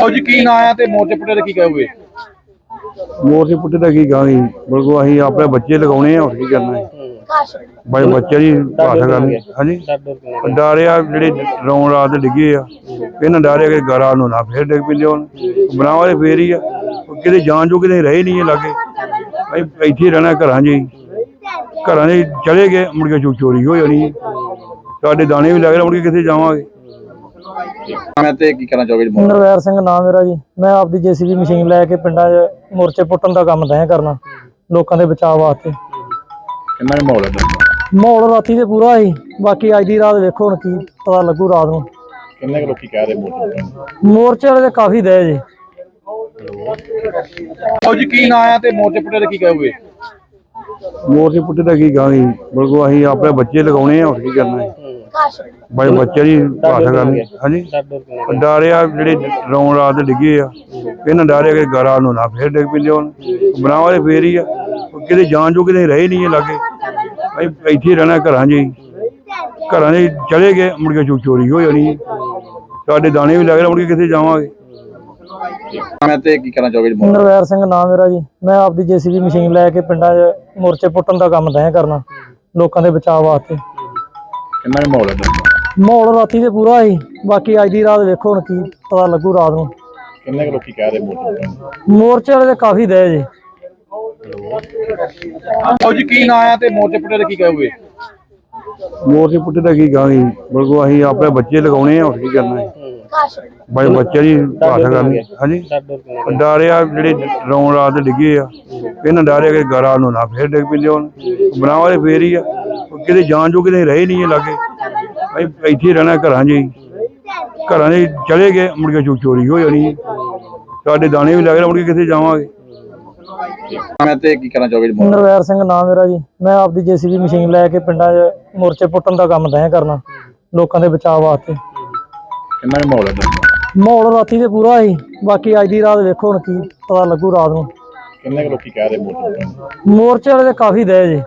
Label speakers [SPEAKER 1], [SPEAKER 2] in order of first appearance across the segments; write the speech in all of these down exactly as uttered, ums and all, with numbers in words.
[SPEAKER 1] ਜੀ ਕੀ ਨਾਂ ਆ ਤੇ ਮੋਰਚੇ ਪੁੱਟੇ ਦਾ ਕੀ ਕਹੋਗੇ?
[SPEAKER 2] ਮੋਰਚੇ ਪੁੱਟੇ ਦਾ ਕੀ ਕਹਾਂਗੇ, ਬਲਕਿ ਅਸੀਂ ਆਪਣੇ ਬੱਚੇ ਲਗਾਉਣੇ ਆ, ਹੋਰ ਕੀ ਕਰਨਾ ਹੈ। ਬਈ ਬੱਚੇ ਦੀ ਭਾਸ਼ਾ ਕਰਨੀ। ਹਾਂਜੀ, ਡਾਰਿਆ ਜਿਹੜੇ ਰੌਣ ਰਾਤ ਡਿੱਗੇ ਆ, ਇਹਨਾਂ ਡਾਰਿਆ ਕਿ ਗਾਰਾ ਨੂੰ ਨਾ ਫੇਰ ਡਿੱਗ ਪੈਂਦੇ ਹੁਣ ਬਣਾਵਾਂਗੇ ਫੇਰ ਹੀ ਆ। ਕਿਤੇ ਜਾਣ ਜੋ ਕਿਤੇ ਰਹੇ ਨਹੀਂ ਲਾਗੇ, ਅਸੀਂ ਇੱਥੇ ਰਹਿਣਾ ਘਰਾਂ 'ਚ ਹੀ। ਘਰਾਂ 'ਚ ਚਲੇ ਗਏ ਮੁੜ ਕੇ ਚੋਰੀ ਹੋ ਜਾਣੀ, ਸਾਡੇ ਦਾਣੇ ਵੀ ਲੱਗ ਰਹੇ, ਮੁੜ ਕੇ ਕਿੱਥੇ ਜਾਵਾਂਗੇ।
[SPEAKER 1] ਮੈਂ ਤੇ ਕੀ ਕਹਿਣਾ ਚਾਹੋਗੇ?
[SPEAKER 3] ਨਰਵੈਰ ਸਿੰਘ ਨਾਮ ਮੇਰਾ ਜੀ। ਮੈਂ ਆਪਦੀ ਜੇਸੀਬੀ ਮਸ਼ੀਨ ਲੈ ਕੇ ਪਿੰਡਾਂ 'ਚ ਮੋਰਚੇ ਪੁੱਟਣ ਦਾ ਕੰਮ ਦਇਆ ਕਰਨਾ, ਲੋਕਾਂ ਦੇ ਬਚਾਅ ਵਾਸਤੇ।
[SPEAKER 1] ਕਿੰਨਾ ਕੁ ਮਾਹੌਲ ਹੈ?
[SPEAKER 3] ਮਾਹੌਲ ਰਾਤੀ ਤੇ ਪੂਰਾ ਸੀ, ਬਾਕੀ ਅੱਜ ਦੀ ਰਾਤ ਵੇਖੋ ਹੁਣ ਕੀ ਪਤਾ ਲੱਗੂ ਰਾਤ ਨੂੰ।
[SPEAKER 1] ਕਿੰਨੇ ਕੁ ਲੋਕੀ ਕਹਿ ਰਹੇ ਮੋਰਚੇ?
[SPEAKER 3] ਮੋਰਚੇ ਵਾਲੇ ਤੇ ਕਾਫੀ ਦਏ ਜੀ।
[SPEAKER 1] ਜੀ ਕੀ ਨਾਂ ਆ ਤੇ ਮੋਰਚੇ ਪੁੱਟੇ ਦਾ ਕੀ ਕਹੋਗੇ?
[SPEAKER 2] ਮੋਰਚੇ ਪੁੱਟੇ ਦਾ ਕੀ ਕਹਾਂਗੇ, ਬਲਕਿ ਅਸੀਂ ਆਪਣੇ ਬੱਚੇ ਲਗਾਉਣੇ ਆ, ਹੋਰ ਕੀ ਕਰਨਾ ਹੈ। ਬਈ ਬੱਚੇ ਦੀ ਭਾਸ਼ਾ ਕਰਨੀ। ਹਾਂਜੀ, ਡਾਰਿਆ ਜਿਹੜੇ ਰੌਣ ਰਾਤ ਡਿੱਗੇ ਆ, ਇਹਨਾਂ ਡਾਰਿਆ ਕਿ ਗਾਰਾ ਨੂੰ ਨਾ ਫੇਰ ਡਿੱਗ ਪੈਂਦੇ ਹੁਣ ਬਣਾਵਾਂਗੇ ਫੇਰ ਹੀ ਆ। ਕਿਤੇ ਜਾਣ ਜੋ ਕਿਤੇ ਰਹੇ ਨਹੀਂ ਲਾਗੇ, ਅਸੀਂ ਇੱਥੇ ਰਹਿਣਾ ਘਰਾਂ 'ਚ ਹੀ। ਘਰਾਂ 'ਚ ਚਲੇ ਗਏ ਮੁੜ ਕੇ ਚੋਰੀ ਹੋ ਜਾਣੀ, ਸਾਡੇ ਦਾਣੇ ਵੀ ਲੱਗ ਰਹੇ, ਮੁੜ ਕੇ ਕਿੱਥੇ ਜਾਵਾਂਗੇ।
[SPEAKER 1] ਮੈਂ ਤੇ ਕੀ ਕਹਿਣਾ ਚਾਹੋਗੇ?
[SPEAKER 3] ਨਰਵੈਰ ਸਿੰਘ ਨਾਮ ਮੇਰਾ ਜੀ। ਮੈਂ ਆਪਦੀ ਜੇਸੀਬੀ ਮਸ਼ੀਨ ਲੈ ਕੇ ਪਿੰਡਾਂ 'ਚ ਮੋਰਚੇ ਪੁੱਟਣ ਦਾ ਕੰਮ ਦਇਆ ਕਰਨਾ, ਲੋਕਾਂ ਦੇ ਬਚਾਅ ਵਾਸਤੇ।
[SPEAKER 1] ਕਿੰਨਾ ਕੁ ਮਾਹੌਲ ਹੈ?
[SPEAKER 3] ਮਾਹੌਲ ਰਾਤੀ ਤੇ ਪੂਰਾ ਸੀ, ਬਾਕੀ ਅੱਜ ਦੀ ਰਾਤ ਵੇਖੋ ਹੁਣ ਕੀ ਪਤਾ ਲੱਗੂ ਰਾਤ ਨੂੰ।
[SPEAKER 1] ਕਿੰਨੇ ਕੁ ਲੋਕੀ ਕਹਿ ਰਹੇ ਮੋਰਚੇ?
[SPEAKER 3] ਮੋਰਚੇ ਵਾਲੇ ਤੇ ਕਾਫੀ ਦਏ ਜੀ।
[SPEAKER 1] ਜੀ ਕੀ ਨਾਂ ਆ ਤੇ ਮੋਰਚੇ ਪੁੱਟੇ ਦਾ ਕੀ ਕਹੋਗੇ?
[SPEAKER 2] ਮੋਰਚੇ ਪੁੱਟੇ ਦਾ ਕੀ ਕਹਾਂਗੇ, ਬਲਕਿ ਅਸੀਂ ਆਪਣੇ ਬੱਚੇ ਲਗਾਉਣੇ ਆ, ਹੋਰ ਕੀ ਕਰਨਾ ਹੈ। ਬਈ ਬੱਚੇ ਦੀ ਭਾਸ਼ਾ ਕਰਨੀ। ਹਾਂਜੀ, ਡਾਰਿਆ ਜਿਹੜੇ ਰੌਣ ਰਾਤ ਡਿੱਗੇ ਆ, ਇਹਨਾਂ ਡਾਰਿਆ ਕਿ ਗਾਰਾ ਨੂੰ ਨਾ ਫੇਰ ਡਿੱਗ ਪੈਂਦੇ ਹੁਣ ਬਣਾਵਾਂਗੇ ਫੇਰ ਹੀ ਆ। ਕਿਤੇ ਜਾਣ ਜੋ ਕਿਤੇ ਰਹੇ ਨਹੀਂ ਲਾਗੇ, ਅਸੀਂ ਇੱਥੇ ਰਹਿਣਾ ਘਰਾਂ 'ਚ ਹੀ। ਘਰਾਂ 'ਚ ਚਲੇ ਗਏ ਮੁੜ ਕੇ ਚੋਰੀ ਹੋ ਜਾਣੀ, ਸਾਡੇ ਦਾਣੇ ਵੀ ਲੱਗ ਰਹੇ, ਮੁੜ ਕੇ ਕਿੱਥੇ ਜਾਵਾਂਗੇ।
[SPEAKER 1] ਮੈਂ ਤੇ ਕੀ ਕਹਿਣਾ ਚਾਹੋਗੇ?
[SPEAKER 3] ਨਰਵੈਰ ਸਿੰਘ ਨਾਮ ਮੇਰਾ ਜੀ। ਮੈਂ ਆਪਦੀ ਜੇਸੀਬੀ ਮਸ਼ੀਨ ਲੈ ਕੇ ਪਿੰਡਾਂ 'ਚ ਮੋਰਚੇ ਪੁੱਟਣ ਦਾ ਕੰਮ ਦਇਆ ਕਰਨਾ, ਲੋਕਾਂ ਦੇ ਬਚਾਅ ਵਾਸਤੇ।
[SPEAKER 1] ਕਿੰਨਾ ਕੁ ਮਾਹੌਲ ਹੈ?
[SPEAKER 3] ਮਾਹੌਲ ਰਾਤੀ ਤੇ ਪੂਰਾ ਸੀ, ਬਾਕੀ ਅੱਜ ਦੀ ਰਾਤ ਵੇਖੋ ਹੁਣ ਕੀ ਪਤਾ ਲੱਗੂ ਰਾਤ ਨੂੰ।
[SPEAKER 1] ਕਿੰਨੇ ਕੁ ਲੋਕੀ ਕਹਿ ਰਹੇ ਮੋਰਚੇ?
[SPEAKER 3] ਮੋਰਚੇ ਵਾਲੇ ਤੇ ਕਾਫੀ ਦਏ ਜੀ।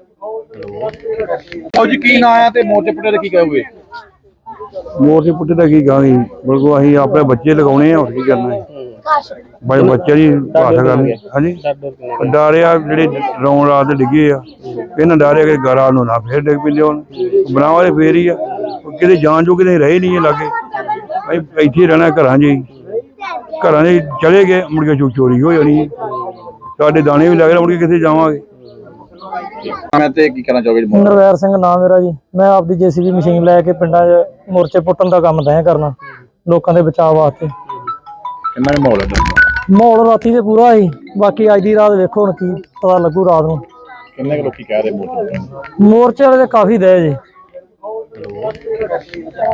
[SPEAKER 1] ਜੀ ਕੀ ਨਾਂ ਆ ਤੇ ਮੋਰਚੇ ਪੁੱਟੇ ਦਾ ਕੀ ਕਹੋਗੇ?
[SPEAKER 2] ਮੋਰਚੇ ਪੁੱਟੇ ਦਾ ਕੀ ਕਹਾਂਗੇ, ਬਲਕਿ ਅਸੀਂ ਆਪਣੇ ਬੱਚੇ ਲਗਾਉਣੇ ਆ, ਹੋਰ ਕੀ ਕਰਨਾ ਹੈ। ਬਈ ਬੱਚੇ ਦੀ ਭਾਸ਼ਾ ਕਰਨੀ। ਹਾਂਜੀ, ਡਾਰਿਆ ਜਿਹੜੇ ਰੌਣ ਰਾਤ ਡਿੱਗੇ ਆ, ਇਹਨਾਂ ਡਾਰਿਆ ਕਿ ਗਾਰਾ ਨੂੰ ਨਾ ਫੇਰ ਡਿੱਗ ਪੈਂਦੇ ਹੁਣ ਬਣਾਵਾਂਗੇ ਫੇਰ ਹੀ ਆ। ਕਿਤੇ ਜਾਣ ਜੋ ਕਿਤੇ ਰਹੇ ਨਹੀਂ ਲਾਗੇ, ਅਸੀਂ ਇੱਥੇ ਰਹਿਣਾ ਘਰਾਂ 'ਚ ਹੀ। ਘਰਾਂ 'ਚ ਚਲੇ ਗਏ ਮੁੜ ਕੇ ਚੋਰੀ ਹੋ ਜਾਣੀ, ਸਾਡੇ ਦਾਣੇ ਵੀ ਲੱਗ ਰਹੇ, ਮੁੜ ਕੇ ਕਿੱਥੇ ਜਾਵਾਂਗੇ।
[SPEAKER 1] ਮੈਂ ਤੇ ਕੀ ਕਹਿਣਾ ਚਾਹੋਗੇ?
[SPEAKER 3] ਨਰਵੈਰ ਸਿੰਘ ਨਾਮ ਮੇਰਾ ਜੀ। ਮੈਂ ਆਪਦੀ ਜੇਸੀਬੀ ਮਸ਼ੀਨ ਲੈ ਕੇ ਪਿੰਡਾਂ 'ਚ ਮੋਰਚੇ ਪੁੱਟਣ ਦਾ ਕੰਮ ਦਇਆ ਕਰਨਾ, ਲੋਕਾਂ ਦੇ ਬਚਾਅ ਵਾਸਤੇ।
[SPEAKER 1] ਕਿੰਨਾ ਕੁ ਮਾਹੌਲ ਹੈ?
[SPEAKER 3] ਮਾਹੌਲ ਰਾਤੀ ਤੇ ਪੂਰਾ ਸੀ, ਬਾਕੀ ਅੱਜ ਦੀ ਰਾਤ ਵੇਖੋ ਹੁਣ ਕੀ ਪਤਾ ਲੱਗੂ ਰਾਤ ਨੂੰ।
[SPEAKER 1] ਕਿੰਨੇ ਕੁ ਲੋਕੀ ਕਹਿ ਰਹੇ ਮੋਰਚੇ?
[SPEAKER 3] ਮੋਰਚੇ ਵਾਲੇ ਤੇ ਕਾਫੀ ਦਏ ਜੀ।